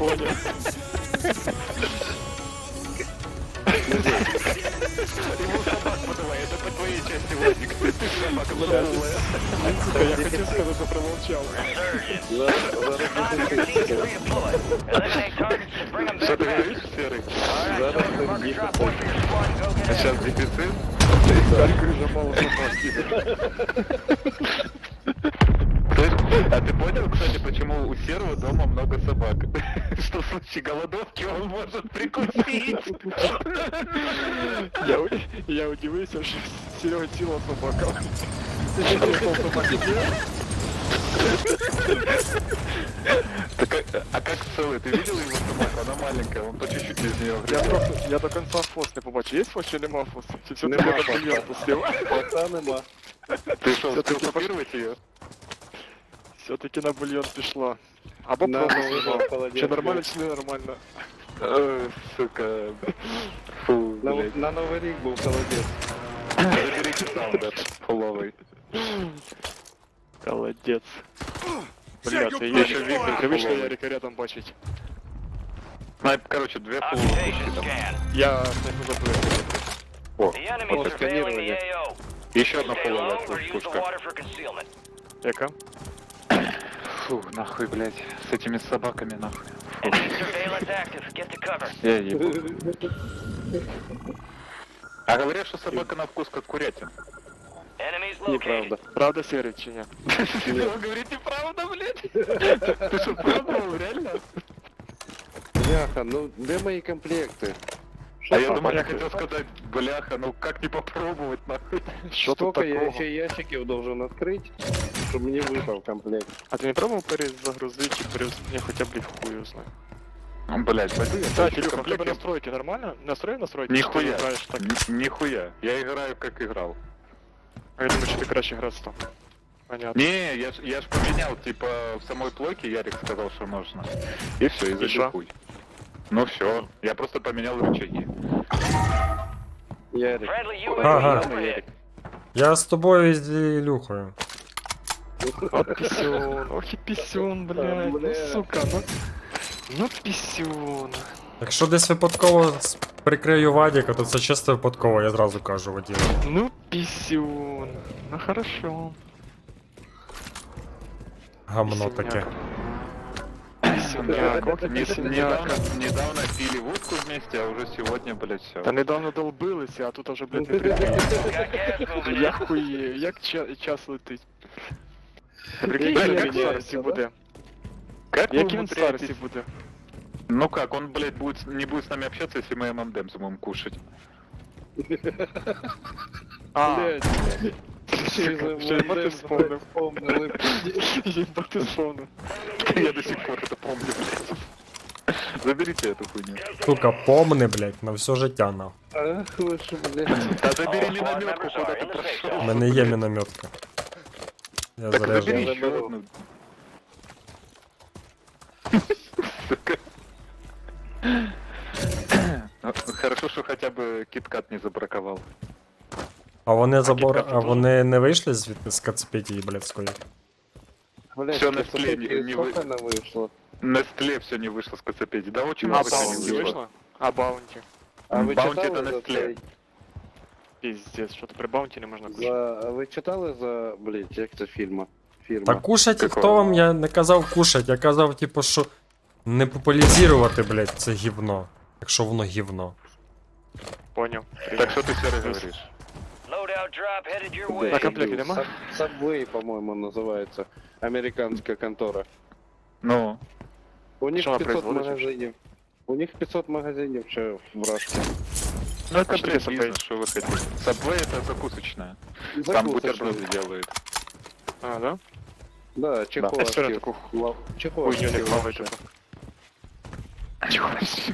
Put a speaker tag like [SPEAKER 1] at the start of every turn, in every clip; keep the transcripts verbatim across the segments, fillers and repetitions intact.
[SPEAKER 1] понял.
[SPEAKER 2] Ему собак подавай, это по твоей части, Владик. Ты собака подавай.
[SPEAKER 1] Сука, я хотел сказать, что промолчал.
[SPEAKER 2] Что ты говоришь, Серый? А сейчас дефицит?
[SPEAKER 1] Только уже мало собак.
[SPEAKER 2] Слышь, а ты понял, кстати, почему у Серого дома много собак? Что в случае голодовки он может прикусить.
[SPEAKER 1] Я, у- я удивился, что Серега ціла собака. Ты что, пришел собаки делать?
[SPEAKER 2] Так, а- а как целый? Ты видел его собаку? Она маленькая, он по чуть-чуть из нее
[SPEAKER 1] Я
[SPEAKER 2] грызет.
[SPEAKER 1] просто, я до конца фос не побачив. Є фос чи нема фос? Чи все-таки
[SPEAKER 3] Нема
[SPEAKER 1] я
[SPEAKER 3] фоса.
[SPEAKER 1] бульйон пустив?
[SPEAKER 3] Пока нема.
[SPEAKER 2] Ты что,
[SPEAKER 1] Всё-таки
[SPEAKER 2] успел купировать ее?
[SPEAKER 1] Все-таки на бульйон пішла. Або
[SPEAKER 3] На
[SPEAKER 1] просто
[SPEAKER 3] новий
[SPEAKER 1] знімав.
[SPEAKER 3] год холодець
[SPEAKER 1] Чи нормально,
[SPEAKER 3] був.
[SPEAKER 1] чи не нормально.
[SPEAKER 2] Ой, сука. Фу,
[SPEAKER 3] На,
[SPEAKER 2] блядь.
[SPEAKER 3] на Новий рік був холодець.
[SPEAKER 2] Заберите саунд этот фуловый.
[SPEAKER 1] Молодець. Бля, це
[SPEAKER 2] Я
[SPEAKER 1] я
[SPEAKER 2] ще
[SPEAKER 1] ще
[SPEAKER 2] вікна
[SPEAKER 1] привично
[SPEAKER 2] фуловий.
[SPEAKER 1] Ярика рядом бачить.
[SPEAKER 2] Ну, короче, две фуловые пушки там.
[SPEAKER 1] Я не забув.
[SPEAKER 2] О,
[SPEAKER 3] Вот сканирование.
[SPEAKER 2] еще одна фуловая пуш- пушка.
[SPEAKER 1] Яка?
[SPEAKER 2] Фу, нахуй, блядь. С этими собаками, нахуй. Фу. Я ебу. А говорят, что собака на вкус как курятина.
[SPEAKER 3] Неправда.
[SPEAKER 1] Правда, Серый, чи ні?
[SPEAKER 2] Вы говорите правда, блядь? Ты что, пробовал, реально?
[SPEAKER 3] Бляха, ну де мої комплекти?
[SPEAKER 2] А я
[SPEAKER 1] там
[SPEAKER 2] думаю, я
[SPEAKER 1] понятно?
[SPEAKER 2] хотел сказать, бляха, ну как не попробовать, нахуй.
[SPEAKER 1] Що тут
[SPEAKER 3] Сколько я
[SPEAKER 1] такого?
[SPEAKER 3] ще ящиків должен відкрити, щоб мені випав комплект?
[SPEAKER 1] А ти не пробував перезагрузити чи перез... Не, хоча б в хую знаю.
[SPEAKER 2] Блять, пойду я
[SPEAKER 1] Кстати,
[SPEAKER 2] поищу
[SPEAKER 1] Илюха, у тебе
[SPEAKER 2] комплект.
[SPEAKER 1] настройки нормально? Настрой настройки?
[SPEAKER 2] Нихуя.
[SPEAKER 1] Чи ти граєш так?
[SPEAKER 2] Н- Нихуя. Я играю как играл.
[SPEAKER 1] А я думаю, що ти краще грав став. Понятно.
[SPEAKER 2] Не, я ж, я ж поменял, типа, в самой плойке Ярик сказал, что можно. И все, и
[SPEAKER 1] И
[SPEAKER 2] забил
[SPEAKER 1] шо?
[SPEAKER 2] хуй. Ну все, я просто поменял рычаги.
[SPEAKER 3] Ярик.
[SPEAKER 4] Ага.
[SPEAKER 3] Ярик.
[SPEAKER 4] Я з тобою і з Ілюхою.
[SPEAKER 1] От писюн, ох і писюн, блядь, ну
[SPEAKER 3] Бля.
[SPEAKER 1] сука, ну... Ну писюн.
[SPEAKER 4] Якщо десь випадково с- прикрию Вадіка, то це чисто випадково, я зразу кажу водію.
[SPEAKER 1] Ну писюн. Ну хорошо.
[SPEAKER 4] Гамно таке.
[SPEAKER 1] Писюняк, ох і
[SPEAKER 2] Не-
[SPEAKER 1] писюняк.
[SPEAKER 2] недавно, недавно пили водку вместе, а уже сегодня, блядь, все.
[SPEAKER 1] Та недавно долбилися, а тут уже, блядь, не прикрили. Я хуєю, як ча- час летить. Прикинь,
[SPEAKER 3] Як
[SPEAKER 1] як він
[SPEAKER 3] міняється,
[SPEAKER 1] старості
[SPEAKER 3] да?
[SPEAKER 1] буде.
[SPEAKER 2] Как
[SPEAKER 1] Як
[SPEAKER 2] вы
[SPEAKER 1] він
[SPEAKER 2] умудряетесь?
[SPEAKER 1] старості буде.
[SPEAKER 2] Ну как, он, блядь, будет, не будет с нами общаться, если мы эм эм дэмс будем кушать.
[SPEAKER 1] А,
[SPEAKER 3] Блядь.
[SPEAKER 1] Ще й мати вспомнив.
[SPEAKER 3] Вспомнили.
[SPEAKER 1] Єба ти вспомнив.
[SPEAKER 2] Я до сих пор это помню, блядь. Заберите эту хуйню.
[SPEAKER 4] Сука, помни, блять, на все життя нахуй.
[SPEAKER 3] Ах, ви ж, блядь.
[SPEAKER 2] Да забери минометку, куда ты
[SPEAKER 4] У
[SPEAKER 2] прошел.
[SPEAKER 4] мене є мінометка. Я
[SPEAKER 2] Так забери
[SPEAKER 4] заряджу.
[SPEAKER 3] Я
[SPEAKER 2] еще
[SPEAKER 3] заберу.
[SPEAKER 2] одну. Сука. Ну, хорошо, что хотя бы киткат не забраковал.
[SPEAKER 4] А вони забор...
[SPEAKER 1] кітка
[SPEAKER 4] А
[SPEAKER 1] тут
[SPEAKER 4] вони не вийшли звідти з Кацпетії, блядської?
[SPEAKER 3] Блядь,
[SPEAKER 2] Всё на
[SPEAKER 3] це
[SPEAKER 2] скле не-
[SPEAKER 3] таки
[SPEAKER 2] не
[SPEAKER 3] сколько
[SPEAKER 2] вы-
[SPEAKER 3] вона вийшло?
[SPEAKER 2] Нестле все не вышло с Кацапеди. Да очень
[SPEAKER 1] А
[SPEAKER 2] много чего не
[SPEAKER 1] баунті
[SPEAKER 2] вышло.
[SPEAKER 1] вийшло? А баунті.
[SPEAKER 3] А ви
[SPEAKER 2] Баунті
[SPEAKER 3] читали
[SPEAKER 2] це
[SPEAKER 3] за
[SPEAKER 2] Nestlé.
[SPEAKER 3] цей?
[SPEAKER 1] Піздець, що то при баунті не можна кушати.
[SPEAKER 3] За... а ви читали за, блядь, як це фільма? Фірма.
[SPEAKER 4] Та кушать,
[SPEAKER 2] Какого?
[SPEAKER 4] хто вам, я не казав кушать, я казав, типу, що не популяризувати, блять, це гівно. Якщо воно гівно.
[SPEAKER 1] Поняв.
[SPEAKER 2] Так что ты, Серый, говоришь?
[SPEAKER 1] На комплекті нема?
[SPEAKER 3] Саб- Subway, по-моему, називається. Американська контора.
[SPEAKER 2] Ну,
[SPEAKER 3] У них
[SPEAKER 1] Що вона
[SPEAKER 3] п'ятсот
[SPEAKER 1] производить?
[SPEAKER 3] магазинів. У них п'ятсот магазинів ще в Рашці.
[SPEAKER 2] ну это,
[SPEAKER 1] Что
[SPEAKER 2] блядь,
[SPEAKER 1] Subway?
[SPEAKER 2] бизнес, что вы хотите. Subway это закусочная. Там бутерброды делают.
[SPEAKER 1] А, да?
[SPEAKER 3] Да,
[SPEAKER 1] Я
[SPEAKER 3] чеховські.
[SPEAKER 1] все таку
[SPEAKER 3] Ла- Чеховські
[SPEAKER 1] хуйню не хаваю,
[SPEAKER 3] лапши.
[SPEAKER 1] типу.
[SPEAKER 2] Чего?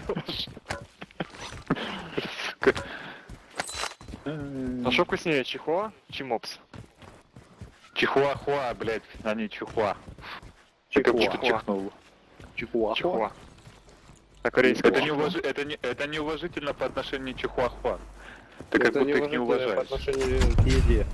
[SPEAKER 1] А що вкусніше, чихуа чи мопс?
[SPEAKER 2] Чихуахуа, блядь, а не чихуа. Ты как будто
[SPEAKER 3] Чихуа.
[SPEAKER 2] чихнул.
[SPEAKER 3] Чихуахуа.
[SPEAKER 1] Чихуа. На корейском.
[SPEAKER 2] Это, неуваж... это, не... это неуважительно по отношению к чихуахуа. Ты как
[SPEAKER 3] Это
[SPEAKER 2] будто их не
[SPEAKER 3] неуважительно по
[SPEAKER 2] уважаешь.
[SPEAKER 3] отношению к еде.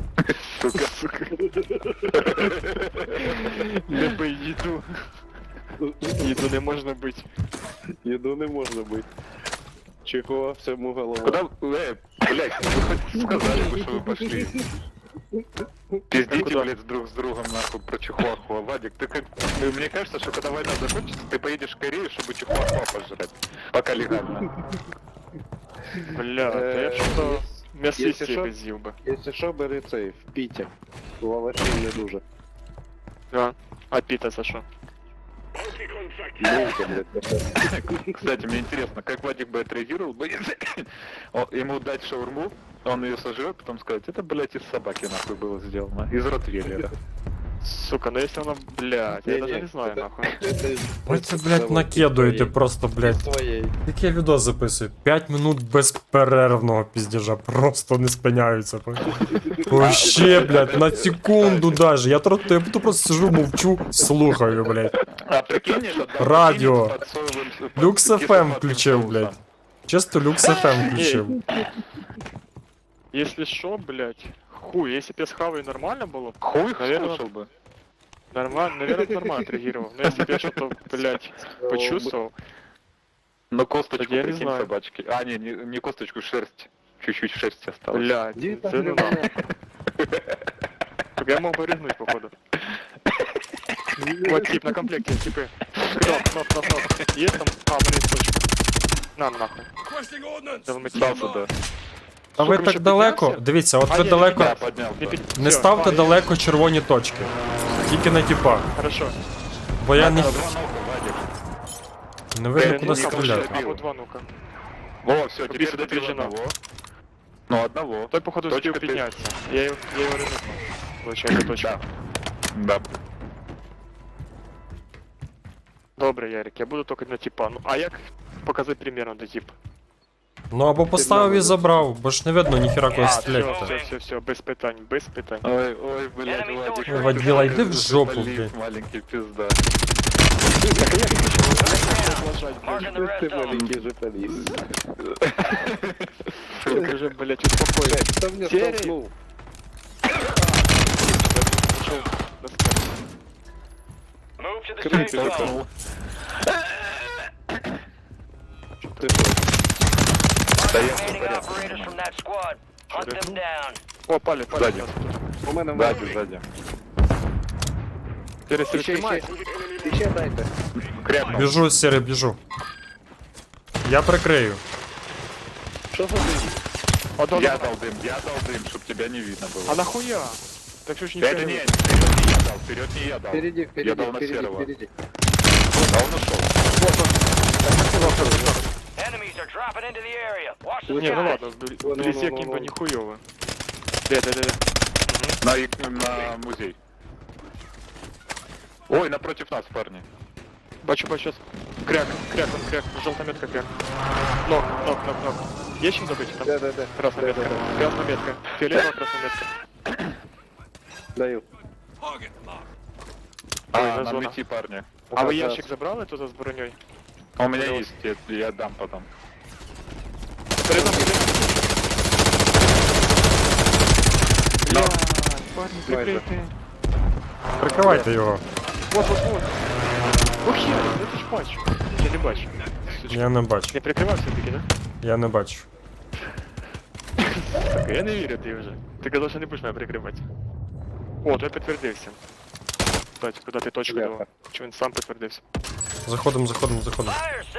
[SPEAKER 2] Сука, сука.
[SPEAKER 1] Люби їду. Їду не можна бити.
[SPEAKER 3] Еду не можно быть. Чего? Всему голова.
[SPEAKER 2] Куда, э, блядь, вы хоть сказали бы, что вы пошли. Пиздите,
[SPEAKER 1] куда?
[SPEAKER 2] блядь, друг с другом, нахуй, про чихуахуа. Вадик, ты как... ну, Мне кажется, что когда война закончится, ты поедешь в Корею, чтобы чихуахуа пожрать. Пока легально.
[SPEAKER 1] Бля, та я
[SPEAKER 3] Е,
[SPEAKER 1] що-то
[SPEAKER 3] Якщо
[SPEAKER 1] м'ясисті
[SPEAKER 3] що-
[SPEAKER 1] безів би.
[SPEAKER 3] Если что, бери цей, в Пите. У Алаші не дуже.
[SPEAKER 1] Да. А піта за що?
[SPEAKER 3] Булка, блядь,
[SPEAKER 2] Кстати, мне интересно, как Вадик бы отреагировал бы, если о, ему дать шаурму, он ее сожрет, потом сказать, это, блядь, из собаки, нахуй, было сделано. Из ротвейлера.
[SPEAKER 1] Сука, ну якщо вона, блядь, я
[SPEAKER 3] Не-не,
[SPEAKER 1] даже не знаю,
[SPEAKER 3] это-
[SPEAKER 1] нахуй.
[SPEAKER 3] Это-
[SPEAKER 4] Ви це, блядь, накидуєте просто, блядь.
[SPEAKER 3] Своей.
[SPEAKER 4] Як я відео записую? п'ять минут безперервного піздежа, просто не спиняються. Вообще, блядь, на секунду даже. Я, тро- я тут просто сижу, мовчу, слухаю, блядь.
[SPEAKER 2] А прикинь, это, да,
[SPEAKER 4] Радио.
[SPEAKER 2] прикинь, с подсоевым- под
[SPEAKER 4] Люкс еф ем
[SPEAKER 2] кисловатым
[SPEAKER 4] включив,
[SPEAKER 2] соусом.
[SPEAKER 4] блядь. Чисто Люкс еф ем включив.
[SPEAKER 1] Если що, блядь, хуй, если б я схаваю нормально було, б,
[SPEAKER 2] Хуй
[SPEAKER 1] Наверно,
[SPEAKER 2] слушал бы.
[SPEAKER 1] нормально, наверное, нормально отреагировал. Но если б я что-то, блядь, почувствовал,
[SPEAKER 2] Но косточку,
[SPEAKER 1] Так я не
[SPEAKER 2] прикинь,
[SPEAKER 1] знаю.
[SPEAKER 2] собачки. А, не, не, не косточку, шерсть. Чуть-чуть шерсти осталось.
[SPEAKER 1] блядь,
[SPEAKER 3] Иди
[SPEAKER 1] це
[SPEAKER 3] так,
[SPEAKER 1] ну
[SPEAKER 3] блядь.
[SPEAKER 1] нахуй. Так я мог бы рыгнуть, походу. Вот тип на комплекте, типы. Кноп, кноп, кноп, кноп. Есть там? А, блин, точка. На, нахуй. Далматин.
[SPEAKER 2] Дал сюда.
[SPEAKER 4] А ви
[SPEAKER 1] Сука,
[SPEAKER 4] так
[SPEAKER 1] ще
[SPEAKER 4] далеко?
[SPEAKER 1] піднявся?
[SPEAKER 4] Дивіться, от
[SPEAKER 1] А,
[SPEAKER 4] ви
[SPEAKER 1] ні,
[SPEAKER 4] далеко.
[SPEAKER 2] Да, поднял.
[SPEAKER 1] Не,
[SPEAKER 2] Да.
[SPEAKER 1] пи-
[SPEAKER 4] Не
[SPEAKER 1] всё,
[SPEAKER 4] ставте
[SPEAKER 1] а, я-
[SPEAKER 4] далеко червоні точки. Тільки на тіпа.
[SPEAKER 1] Хорошо.
[SPEAKER 4] Бо я не,
[SPEAKER 2] Два нога, Вадик.
[SPEAKER 4] не видно,
[SPEAKER 1] Э,
[SPEAKER 4] куди
[SPEAKER 1] ну,
[SPEAKER 4] стріляти.
[SPEAKER 1] А, вот два ну-ка.
[SPEAKER 2] Во, все, теперь
[SPEAKER 1] Убийство
[SPEAKER 2] добил
[SPEAKER 1] подтверждено.
[SPEAKER 2] одного. Ну, одного.
[SPEAKER 1] Той, походу,
[SPEAKER 2] Точка
[SPEAKER 1] успел
[SPEAKER 2] ты.
[SPEAKER 1] подняться. Я его, я его рыгнул. Получается, точка.
[SPEAKER 2] Да.
[SPEAKER 1] Добре, Ярик, я буду только на типа. Ну, а як показати примерно до типа?
[SPEAKER 4] Ну або поставив і забрав, бо ж не видно ніхіра
[SPEAKER 1] А,
[SPEAKER 4] когось
[SPEAKER 1] все,
[SPEAKER 4] стріляти.
[SPEAKER 1] все, все, все, без питань, без питань.
[SPEAKER 2] Ой, ой, блядь, Вадик.
[SPEAKER 4] Ой, Водила,
[SPEAKER 2] ты
[SPEAKER 4] иди в
[SPEAKER 2] такой
[SPEAKER 4] жопу,
[SPEAKER 2] залив,
[SPEAKER 4] блядь.
[SPEAKER 2] маленький пизда.
[SPEAKER 3] Ты маленький же полис.
[SPEAKER 1] Скажи, блядь, успокойся.
[SPEAKER 3] Блядь, кто меня
[SPEAKER 1] Серый?
[SPEAKER 3] столкнул?
[SPEAKER 1] Пошел на спать.
[SPEAKER 3] Крыса
[SPEAKER 2] Толкнул.
[SPEAKER 3] Ты что?
[SPEAKER 2] Да я всё в порядке.
[SPEAKER 1] О, пали, пали.
[SPEAKER 2] Сзади.
[SPEAKER 1] нас тут.
[SPEAKER 3] У мене
[SPEAKER 2] Сзади, сзади.
[SPEAKER 1] Перестань
[SPEAKER 3] Ще, ще,
[SPEAKER 1] снимать.
[SPEAKER 3] ще дайте.
[SPEAKER 2] Крякнул.
[SPEAKER 4] Біжу, сірий, біжу. Я прикрию.
[SPEAKER 3] Що за ти?
[SPEAKER 1] А, да,
[SPEAKER 2] Я
[SPEAKER 1] да.
[SPEAKER 2] дал дым, я дал дым, чтобы тебя не видно
[SPEAKER 1] А
[SPEAKER 2] было.
[SPEAKER 1] нахуя? Так что ж не
[SPEAKER 2] Это не, вперед не я дал, вперед не я дал.
[SPEAKER 3] Впереди,
[SPEAKER 2] Я
[SPEAKER 3] впереди,
[SPEAKER 2] дал на
[SPEAKER 3] впереди,
[SPEAKER 2] серого.
[SPEAKER 3] впереди.
[SPEAKER 2] А он ушел.
[SPEAKER 1] Не, ну ладно, вбли-
[SPEAKER 3] Вон,
[SPEAKER 1] вблизи
[SPEAKER 3] вон, вон,
[SPEAKER 1] каким-то
[SPEAKER 3] вон.
[SPEAKER 1] нихуёво. Да, да, да, да.
[SPEAKER 2] На, их- на музей. Ой, напротив нас, парни.
[SPEAKER 1] Бачу, бачу, сейчас. Кряк, кряк, он кряк, желтая метка кряк. Нок, нок, нок, нок. Есть чем добыть? Там
[SPEAKER 3] Да, да, да.
[SPEAKER 1] красная
[SPEAKER 3] Да,
[SPEAKER 1] метка,
[SPEAKER 3] да, да.
[SPEAKER 1] красная метка, фиолетовая красная метка.
[SPEAKER 3] Даю.
[SPEAKER 2] А,
[SPEAKER 1] на
[SPEAKER 2] нам
[SPEAKER 1] зона.
[SPEAKER 2] идти, парни.
[SPEAKER 1] А вы
[SPEAKER 3] Да,
[SPEAKER 1] ящик забрали туда с броней?
[SPEAKER 2] А у меня
[SPEAKER 1] Плюс.
[SPEAKER 2] есть, я, я дам потом.
[SPEAKER 1] Передом,
[SPEAKER 2] Да.
[SPEAKER 1] парни,
[SPEAKER 3] Давай,
[SPEAKER 1] прикрытые.
[SPEAKER 4] Прикривайте його.
[SPEAKER 1] Вот, вот, вот. Ох, я, это ж бачу. Я не бачу. Сучка.
[SPEAKER 4] Я не бачу.
[SPEAKER 1] Не прикривав все-таки, да?
[SPEAKER 4] Я не бачу.
[SPEAKER 1] Так, я не вірю ти вже. Ти казав, що не будеш мене прикривати. О, той підтвердився. Кстати, куди ти точку
[SPEAKER 3] Бляха.
[SPEAKER 1] давав? Чи він сам підтвердився?
[SPEAKER 4] Заходимо, заходимо, заходимо.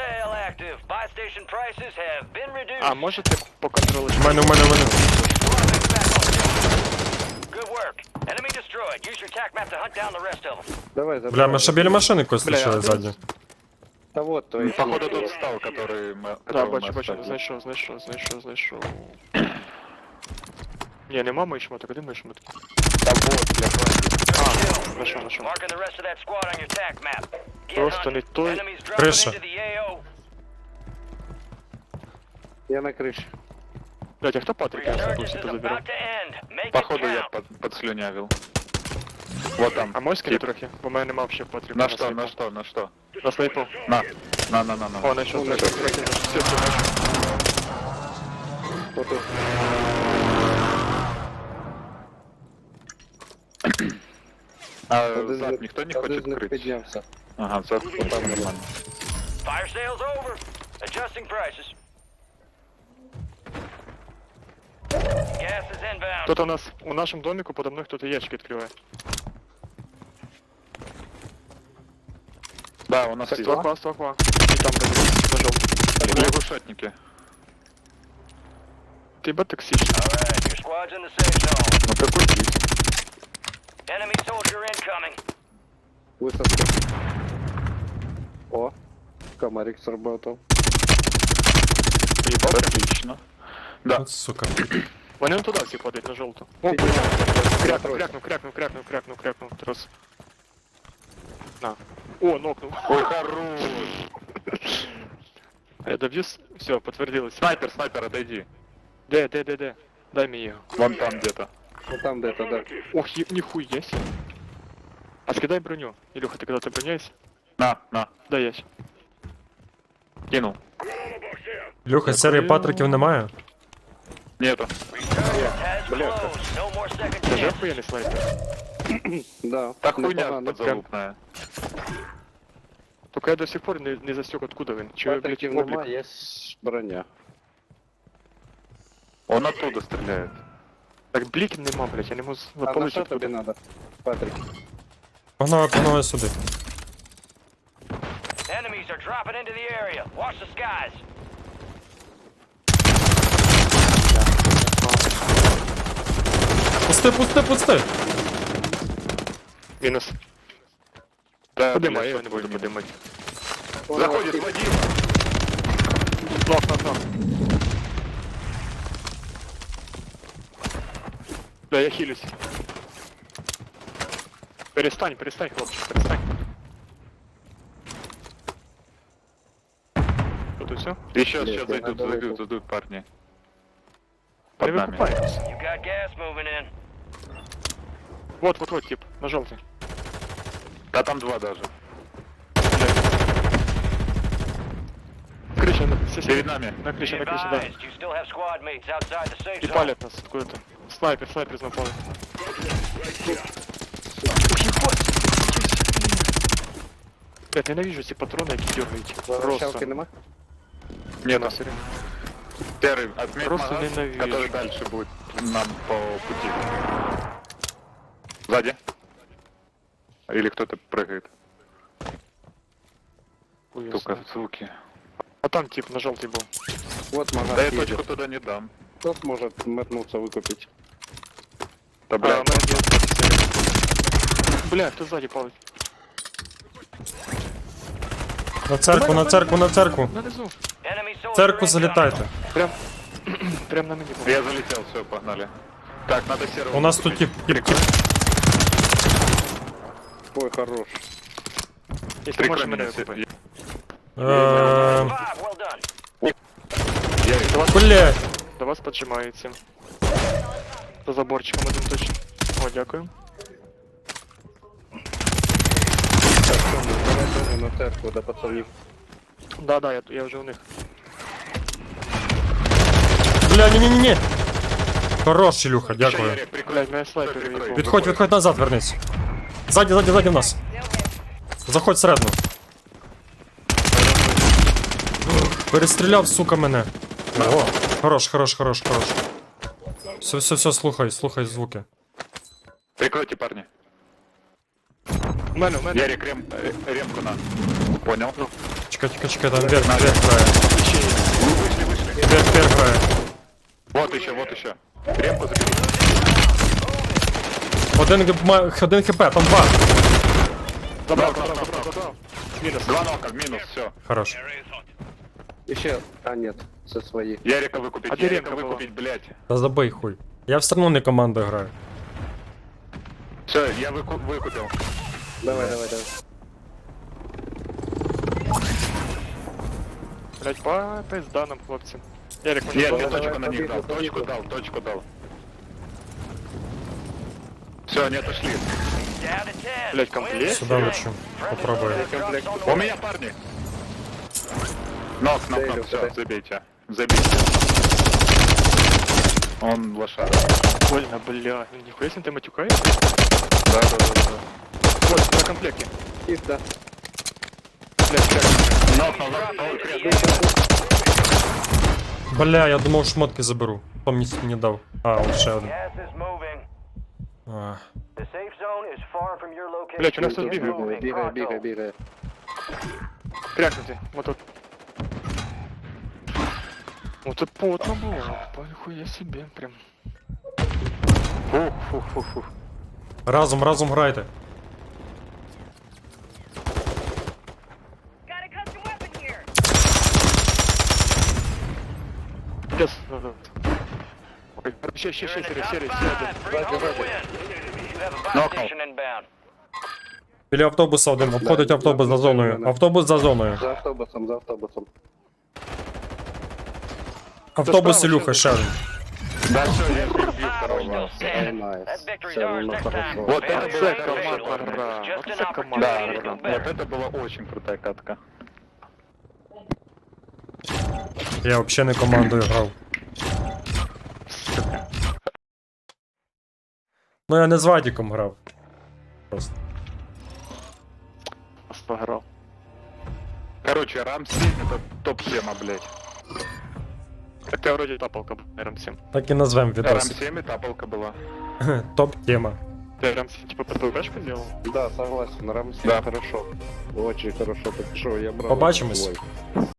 [SPEAKER 1] А, можете по контролю?
[SPEAKER 4] У мене, у мене, у мене.
[SPEAKER 3] Давай, забирай.
[SPEAKER 4] Бля, ми ще біля машини когось
[SPEAKER 1] Бля,
[SPEAKER 4] лишили
[SPEAKER 1] а
[SPEAKER 4] ззаді.
[SPEAKER 3] Та вот твої.
[SPEAKER 2] Походу тот встал, который мы...
[SPEAKER 1] Да,
[SPEAKER 2] которого
[SPEAKER 1] бачу,
[SPEAKER 2] мы
[SPEAKER 1] бачу,
[SPEAKER 2] оставили.
[SPEAKER 1] знайшов, знайшов, знайшов, знайшов. Ні, нема мої шмоток, а де мої шмотки?
[SPEAKER 2] Да вот, я понял.
[SPEAKER 1] А, знайшов, знайшов. Просто не той.
[SPEAKER 4] Криша.
[SPEAKER 3] Я на криші.
[SPEAKER 1] Блять, а хто Патрик? Я забувся, позабирав.
[SPEAKER 2] Походу я под, подслюнявил. Вот там.
[SPEAKER 1] А можеш скинути трохи? Бо в мене нема взагалі Патрика.
[SPEAKER 2] На что,
[SPEAKER 1] снайпу.
[SPEAKER 2] на что, на что?
[SPEAKER 1] На снайпу.
[SPEAKER 2] На, на, на, на, на.
[SPEAKER 1] О, знайшов, знайшов, трохи, все, все, знайшов.
[SPEAKER 3] Отут.
[SPEAKER 2] А
[SPEAKER 3] Один з
[SPEAKER 2] зад
[SPEAKER 3] них-
[SPEAKER 2] никто не
[SPEAKER 3] один
[SPEAKER 2] хочет
[SPEAKER 3] з них
[SPEAKER 2] крыть?
[SPEAKER 3] піднявся.
[SPEAKER 2] Ага, це там нормально.
[SPEAKER 5] Fire sales over. Adjusting prices. Gas is inbound.
[SPEAKER 1] Тут у нас, у нашем домику подо мной кто-то ящик открывает.
[SPEAKER 2] Да, у нас
[SPEAKER 1] Так,
[SPEAKER 2] есть.
[SPEAKER 1] ствокла, ствокла. И там ножом.
[SPEAKER 2] Лягушатники.
[SPEAKER 1] Ты бы токсичный.
[SPEAKER 5] Alright, your squad's in the safe zone.
[SPEAKER 2] Ну какой есть?
[SPEAKER 5] Enemy soldier incoming.
[SPEAKER 3] Высадка. О, комарик сработал.
[SPEAKER 2] Отлично. Да.
[SPEAKER 4] От, сука.
[SPEAKER 1] Вони не туди всі падають, на жовту. О,
[SPEAKER 3] Підняв.
[SPEAKER 1] крякнув, крякнув, крякнув, крякнув, крякнув, крякнув. Раз. На. О, нокнув.
[SPEAKER 2] Ой, хорош.
[SPEAKER 1] Я доб'ю. Все, підтвердилось.
[SPEAKER 2] Снайпер, снайпер, отойди.
[SPEAKER 1] Де, де, де, де? Дай мені його.
[SPEAKER 2] Вон там где-то.
[SPEAKER 3] Ну там где-то, да.
[SPEAKER 1] Ох, є- ніхуя себе. А скидай броню. Илюха, ты когда-то броняешься?
[SPEAKER 2] На, на.
[SPEAKER 1] Да, есть.
[SPEAKER 2] Кинул.
[SPEAKER 4] Люха, серії патриків немає?
[SPEAKER 2] Нету.
[SPEAKER 5] Has closed. No more second
[SPEAKER 1] Даже
[SPEAKER 5] chance.
[SPEAKER 1] охуенный снайпер.
[SPEAKER 3] Да.
[SPEAKER 2] Та хуйня
[SPEAKER 3] непогано.
[SPEAKER 2] подзалупная.
[SPEAKER 1] Только я до сих пор не, не застёг, откуда він. Чи ви, блядь,
[SPEAKER 3] Патриків
[SPEAKER 1] облік?
[SPEAKER 3] нема, є броня.
[SPEAKER 2] Он оттуда стреляет.
[SPEAKER 1] Так бліків нема, блядь, я не можу
[SPEAKER 3] А на
[SPEAKER 1] запалити
[SPEAKER 3] що тобі
[SPEAKER 1] откуда.
[SPEAKER 3] надо? Патрик.
[SPEAKER 4] Погнали, погнали сюди.
[SPEAKER 5] Enemies are dropping into the area. Watch the skies.
[SPEAKER 4] Пусти, пусти, пусти!
[SPEAKER 1] Мінус.
[SPEAKER 2] Да,
[SPEAKER 1] Подимай, я
[SPEAKER 2] блядь,
[SPEAKER 1] його не буду
[SPEAKER 2] такой
[SPEAKER 1] подимати.
[SPEAKER 2] Заходит Вадим.
[SPEAKER 1] Нок, нок, нок. Да, я хилюсь. Перестань, перестань, хлопчик, перестань. Тут и все.
[SPEAKER 2] Еще,
[SPEAKER 3] Блядь,
[SPEAKER 2] сейчас
[SPEAKER 3] я
[SPEAKER 2] зайдут,
[SPEAKER 3] надо
[SPEAKER 2] зайдут,
[SPEAKER 3] выйти.
[SPEAKER 2] зайдут парни.
[SPEAKER 1] Не
[SPEAKER 2] Под нами.
[SPEAKER 1] выкупайтесь.
[SPEAKER 5] You got gas moving in.
[SPEAKER 1] Вот, вот, вот, тип, на желтый.
[SPEAKER 2] Да там два даже.
[SPEAKER 1] Крыша, на, все
[SPEAKER 2] Перед нами.
[SPEAKER 1] на крыше,
[SPEAKER 5] Be
[SPEAKER 1] на крыше, да.
[SPEAKER 5] advised, you still have squad mates outside the safe
[SPEAKER 1] И
[SPEAKER 5] zone.
[SPEAKER 1] палят нас откуда-то. Снайпер, снайпер напал. Блять, ненавижу эти патроны, какие дергаете.
[SPEAKER 3] Возвращалки
[SPEAKER 1] Просто.
[SPEAKER 3] нема?
[SPEAKER 2] Нет,
[SPEAKER 1] На, серьезно.
[SPEAKER 2] первый отметь
[SPEAKER 1] Просто
[SPEAKER 2] магаз,
[SPEAKER 1] ненавижу.
[SPEAKER 2] который дальше будет нам по пути. Сзади. Или кто-то прыгает.
[SPEAKER 1] Хуй
[SPEAKER 2] Сука,
[SPEAKER 1] знает.
[SPEAKER 2] суки.
[SPEAKER 1] А там тип на желтый был.
[SPEAKER 3] Вот магаз
[SPEAKER 2] Да я
[SPEAKER 3] едет.
[SPEAKER 2] точку туда не дам.
[SPEAKER 3] Кто сможет метнуться выкупить?
[SPEAKER 2] Да,
[SPEAKER 1] А,
[SPEAKER 2] блядь.
[SPEAKER 1] на один. Бля, кто сзади палит?
[SPEAKER 4] На церкву, на церкву, на церкву.
[SPEAKER 1] На низу.
[SPEAKER 5] Enemy soldier
[SPEAKER 4] В церкву
[SPEAKER 5] incoming.
[SPEAKER 4] залітайте.
[SPEAKER 1] Прям, прям на мини был.
[SPEAKER 2] Я залетел, все, погнали. Так, надо серого.
[SPEAKER 4] У нас тут
[SPEAKER 2] выкупить.
[SPEAKER 4] тип, тип, тип.
[SPEAKER 3] Ой, хорош.
[SPEAKER 1] Если
[SPEAKER 2] Прикрой
[SPEAKER 1] можешь
[SPEAKER 2] меня,
[SPEAKER 1] меня
[SPEAKER 2] се-
[SPEAKER 1] выкупать.
[SPEAKER 4] Эм,
[SPEAKER 5] Five, well done.
[SPEAKER 2] Я-
[SPEAKER 4] Блять.
[SPEAKER 1] До вас поджимається. За заборчиком один точно. О, дякую.
[SPEAKER 3] Так, що ми, давай теж на церкву до пацанів.
[SPEAKER 1] Да, да, я, я вже у них.
[SPEAKER 4] Бля, ні-ні-ні. Хорош, Ілюха, дякую.
[SPEAKER 2] Ярик, прикрой.
[SPEAKER 1] Блядь, мене снайпер
[SPEAKER 2] Прикрой.
[SPEAKER 1] їбав.
[SPEAKER 4] Відходь, відходь назад, вернись. Ззаді, ззаді, ззаді в нас. Заходь всередину. Перестріляв, сука, мене. О, хорош, хорош, хорош, хорош. Все, все, все, слухай, слухай звуки.
[SPEAKER 2] Прикройте, парни.
[SPEAKER 1] У мене, у мене.
[SPEAKER 2] Ярик, рем, э, ремку на. Понял.
[SPEAKER 4] Чекай, чекай, чекай, там вверх, вверх грає.
[SPEAKER 1] Ще є.
[SPEAKER 2] Вы вышли, вышли.
[SPEAKER 4] Вверх, вверх грає.
[SPEAKER 2] Вот еще, вот еще. Ремку забери.
[SPEAKER 4] Один, г- ма- один хп, там два.
[SPEAKER 1] Забрав, забрав, забрав, забрав. Мінус.
[SPEAKER 2] Два нока, минус, все.
[SPEAKER 4] Хорош.
[SPEAKER 3] Еще... А, нет, це свої.
[SPEAKER 2] Ярика выкупить,
[SPEAKER 1] А где
[SPEAKER 2] Ярика
[SPEAKER 1] ремка была?
[SPEAKER 2] выкупить, блядь.
[SPEAKER 4] Та забий хуй. Я все одно не командою граю.
[SPEAKER 2] Все, я выку- выкупил.
[SPEAKER 3] Давай, давай, давай.
[SPEAKER 1] Блять, по пизда нам, хлопці. Ярик, може
[SPEAKER 2] Нет,
[SPEAKER 1] знову?
[SPEAKER 2] я
[SPEAKER 3] давай,
[SPEAKER 2] точку на них
[SPEAKER 3] побегу,
[SPEAKER 2] дал, точку
[SPEAKER 3] побегу.
[SPEAKER 2] дал, точку дал. Все, они отошли.
[SPEAKER 5] Down to ten.
[SPEAKER 1] Блядь, комплект?
[SPEAKER 4] Сюди лечу. Попробую.
[SPEAKER 1] Комплект.
[SPEAKER 2] У меня парни. Нок, нок,
[SPEAKER 3] Целью,
[SPEAKER 2] нок, все,
[SPEAKER 3] давай.
[SPEAKER 2] забейте. Забейте. Он лошара.
[SPEAKER 1] Больно, бля. Нихуя себе ты матюкаешь?
[SPEAKER 2] Да, да, да, да.
[SPEAKER 1] Вот, на комплекте.
[SPEAKER 3] Чисто.
[SPEAKER 1] Блядь, как?
[SPEAKER 2] Нокнул, нокнул. Ой, кряк.
[SPEAKER 4] Бля, я думав, шмотки заберу. Хто мені не дав. А, от ще один.
[SPEAKER 5] Gas is moving.
[SPEAKER 4] А.
[SPEAKER 5] The safe zone is far from your location.
[SPEAKER 1] Блядь, у нас тут
[SPEAKER 5] Get
[SPEAKER 1] бігає.
[SPEAKER 5] moving,
[SPEAKER 3] Бігає,
[SPEAKER 5] pronto.
[SPEAKER 3] бігає, бігає.
[SPEAKER 1] Крякнути, вот тут. Вот тут потно было, нихуя себе, прям.
[SPEAKER 2] Фух, фух, фух, фух.
[SPEAKER 4] Разом, разом грайте.
[SPEAKER 6] Got a custom weapon here.
[SPEAKER 1] Yes. Ой, ще, ще, ще,
[SPEAKER 5] You're in the
[SPEAKER 1] серый,
[SPEAKER 5] top
[SPEAKER 1] серый,
[SPEAKER 5] five.
[SPEAKER 1] серый.
[SPEAKER 5] Bring home the win. You have a buy
[SPEAKER 2] Knockout.
[SPEAKER 5] station inbound.
[SPEAKER 4] Біля автобуса один, обходить автобус за зоною. Автобус за зоною.
[SPEAKER 3] За автобусом, за автобусом.
[SPEAKER 4] Автобус
[SPEAKER 1] справа,
[SPEAKER 4] Ілюха, ще один.
[SPEAKER 2] Да, все, я бил
[SPEAKER 5] We're
[SPEAKER 2] второго.
[SPEAKER 5] still
[SPEAKER 3] Ай,
[SPEAKER 5] standing.
[SPEAKER 3] найс.
[SPEAKER 5] That victory's
[SPEAKER 3] Все,
[SPEAKER 5] ours
[SPEAKER 3] ну
[SPEAKER 5] next
[SPEAKER 3] хорошо.
[SPEAKER 5] time.
[SPEAKER 2] Вот
[SPEAKER 5] Failure
[SPEAKER 2] это
[SPEAKER 5] is
[SPEAKER 2] была
[SPEAKER 5] failure.
[SPEAKER 1] команда,
[SPEAKER 5] It's just
[SPEAKER 1] вот
[SPEAKER 5] an
[SPEAKER 1] это команда.
[SPEAKER 2] Да,
[SPEAKER 5] opportunity to
[SPEAKER 2] да,
[SPEAKER 5] do
[SPEAKER 2] да. Вот
[SPEAKER 5] better.
[SPEAKER 2] это была очень крутая катка.
[SPEAKER 4] Я взагалі не командою грав. Ну я не з Вадіком грав. Просто.
[SPEAKER 1] Пограл.
[SPEAKER 2] Короче, рам семь это топ-тема, блядь.
[SPEAKER 1] Хотя вроде тапалка рам семь.
[SPEAKER 4] Так і назвем
[SPEAKER 2] рам
[SPEAKER 4] відосик.
[SPEAKER 2] семь и тапалка была.
[SPEAKER 4] Топ-тема.
[SPEAKER 1] Ты рам семь типа ПТУшку делал?
[SPEAKER 3] Да, согласен, Рамсей
[SPEAKER 2] Да.
[SPEAKER 3] хорошо. Очень хорошо, так что я брал.
[SPEAKER 4] Побачимось.
[SPEAKER 3] свой.